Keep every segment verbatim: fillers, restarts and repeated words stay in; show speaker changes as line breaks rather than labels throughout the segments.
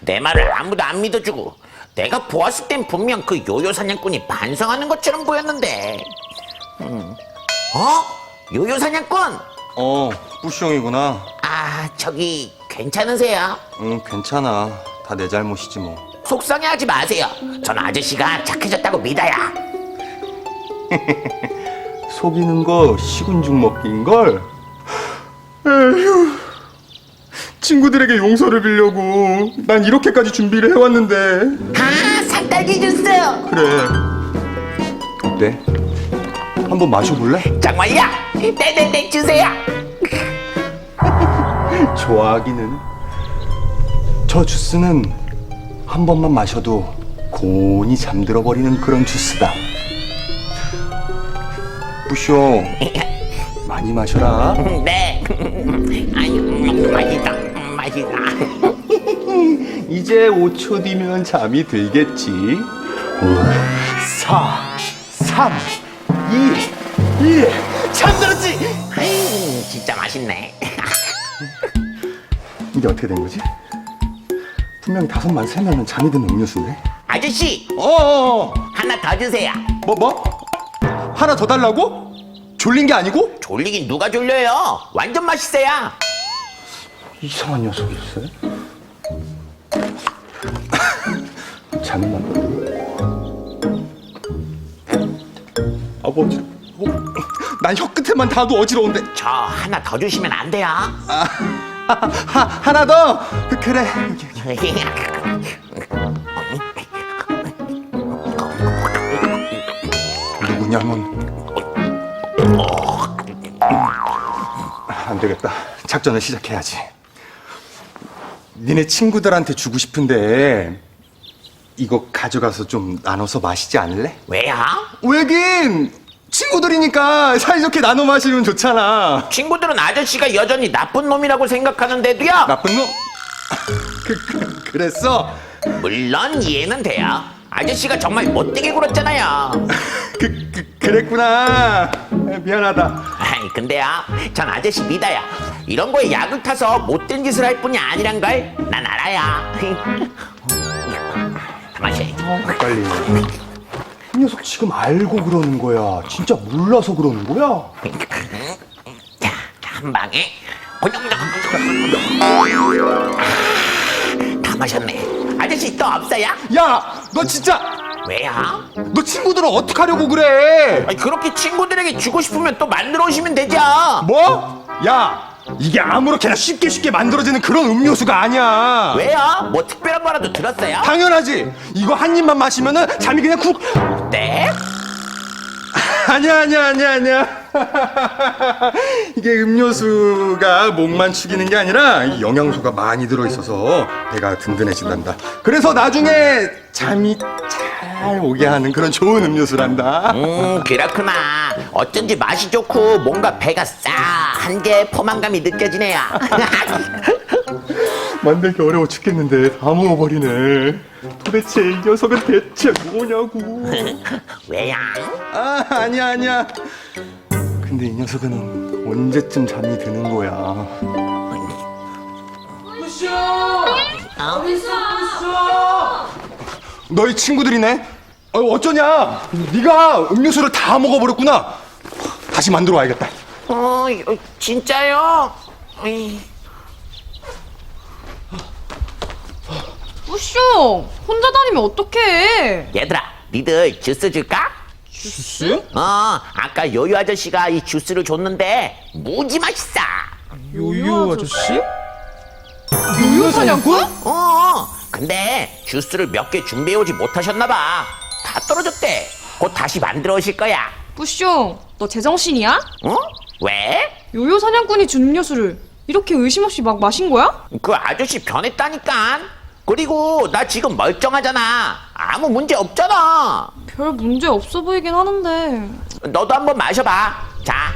내 말을 아무도 안 믿어주고 내가 보았을 땐 분명 그 요요 사냥꾼이 반성하는 것처럼 보였는데. 음. 어? 요요 사냥꾼?
어, 뿌시 형이구나.
아, 저기 괜찮으세요?
응, 괜찮아. 다 내 잘못이지 뭐.
속상해하지 마세요. 전 아저씨가 착해졌다고 믿어요.
속이는 거 식은죽 먹기인걸? 에휴, 친구들에게 용서를 빌려고 난 이렇게까지 준비를 해왔는데.
아, 산딸기 주스.
그래. 어때? 한번 마셔볼래?
정말요? 네네네 주세요.
좋아하기는. 저 주스는 한 번만 마셔도 고온이 잠들어 버리는 그런 주스다. 뿌쇼, 많이 마셔라.
네. 아유, 음, 맛있다. 음, 맛있다.
이제 오 초 뒤면 잠이 들겠지. 오, 사, 삼, 이, 일.
잠들었지. 아유, 진짜 맛있네.
이게 어떻게 된 거지? 분명히 다섯만 세면은 잠이 드는 음료수인데.
아저씨,
어어어.
하나 더 주세요.
뭐 뭐? 하나 더 달라고? 졸린 게 아니고?
졸리긴 누가 졸려요? 완전 맛있어요.
이상한 녀석일세. 잠이 난다고? 아버지, 어, 난 혀 끝에만 닿아도 어지러운데.
저 하나 더 주시면 안 돼요?
아, 하, 하, 하나 더. 그, 그래. 여기, 여기. 누구냐면. 안 되겠다. 작전을 시작해야지. 니네 친구들한테 주고 싶은데 이거 가져가서 좀 나눠서 마시지 않을래?
왜요?
왜긴 친구들이니까 사이좋게 나눠 마시면 좋잖아.
친구들은 아저씨가 여전히 나쁜 놈이라고 생각하는데도요.
나쁜 놈? 그, 그, 그랬어?
물론 이해는 돼요. 아저씨가 정말 못되게 굴었잖아요.
그, 그, 그랬구나. 미안하다.
아이, 근데요, 전 아저씨 믿어요. 이런 거에 약을 타서 못된 짓을 할 뿐이 아니란 걸 난 알아요. 다 마셔야지.
빨리. 이 녀석 지금 알고 그러는 거야? 진짜 몰라서 그러는 거야?
자, 한 방에. 다 마셨네. 아저씨 또 없어요?
야, 너 진짜
왜요?
너 친구들은 어떻게 하려고 그래?
아니, 그렇게 친구들에게 주고 싶으면 또 만들어 오시면 되죠.
뭐? 야, 이게 아무렇게나 쉽게 쉽게 만들어지는 그런 음료수가 아니야.
왜요? 뭐 특별한 거라도 들었어요?
당연하지. 이거 한 입만 마시면은 잠이 그냥 쿡.
네?
아니야, 아니야, 아니야, 아니야. 이게 음료수가 목만 축이는 게 아니라 이 영양소가 많이 들어있어서 배가 든든해진단다. 그래서 나중에 잠이 잘 오게 하는 그런 좋은 음료수란다.
음, 그렇구나. 어쩐지 맛이 좋고 뭔가 배가 싸한 게 포만감이 느껴지네요.
만들기 어려워 죽겠는데 다 먹어버리네. 도대체 이 녀석은 대체 뭐냐고.
왜요?
아, 아니야, 아니야. 근데 이 녀석은 언제쯤 잠이 드는 거야?
부쇼! 어딨어, 부쇼!
너희 친구들이네? 어, 어쩌냐? 네가 음료수를 다 먹어버렸구나. 다시 만들어 와야겠다.
어, 이거 진짜요? 어이.
부쇼! 혼자 다니면 어떡해?
얘들아, 니들 주스 줄까?
주스?
어, 아까 요요 아저씨가 이 주스를 줬는데 무지 맛있어.
요요 아저씨? 요요 사냥꾼?
어, 근데 주스를 몇 개 준비해오지 못하셨나봐. 다 떨어졌대. 곧 다시 만들어 오실 거야.
부쇼, 너 제정신이야?
어? 왜?
요요 사냥꾼이 준 음료수를 이렇게 의심 없이 막 마신 거야?
그 아저씨 변했다니까. 그리고 나 지금 멀쩡하잖아. 아무 문제 없잖아.
별 문제 없어 보이긴 하는데.
너도 한번 마셔봐. 자.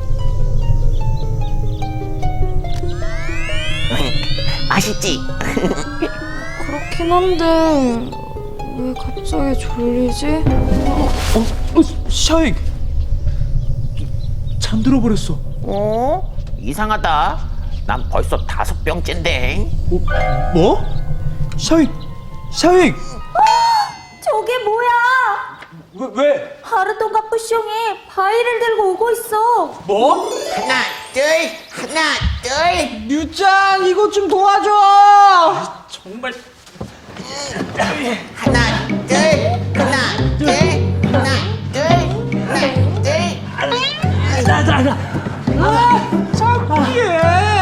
맛있지?
그렇긴 한데 왜 갑자기 졸리지?
어, 샤익! 잠들어 버렸어.
어? 이상하다. 난 벌써 다섯 병째인데.
어, 뭐? 샤익, 샤익.
저게 뭐야?
왜 왜?
하르톤과 뿌숑이 바위를 들고 오고 있어.
뭐?
하나, 둘, 하나, 둘.
류짱 이것 좀 도와줘. 정말.
하나, 둘, 하나, 둘, 하나, 둘, 하나, 둘.
나나나. 아, 창피해.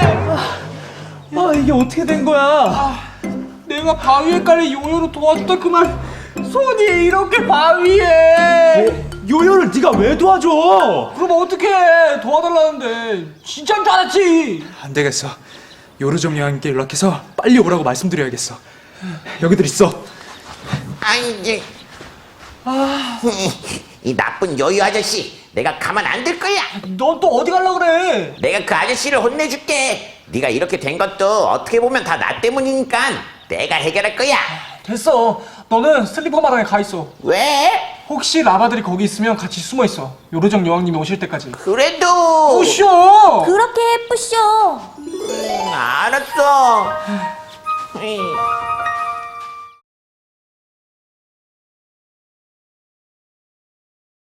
아 이게 어떻게 된 거야? 내가 바위에 깔린 요요를 도와줬다 그만 손이 이렇게 바위에. 요요를 네가 왜 도와줘? 그럼 어떡해? 도와달라는데 진짜인 줄 알았지. 안 되겠어. 요르정 여왕님께 연락해서 빨리 오라고 말씀드려야겠어. 여기들 있어.
아이, 이제. 이 나쁜 여유 아저씨, 내가 가만 안 둘 거야.
넌 또 어디 갈라 그래?
내가 그 아저씨를 혼내줄게. 네가 이렇게 된 것도 어떻게 보면 다 나 때문이니까 내가 해결할 거야.
됐어. 너는 슬리퍼 마당에 가 있어.
왜?
혹시 라바들이 거기 있으면 같이 숨어 있어. 요르정 여왕님이 오실 때까지.
그래도.
오쇼.
그렇게 해, 뿌숑.
음, 알았어. 에이.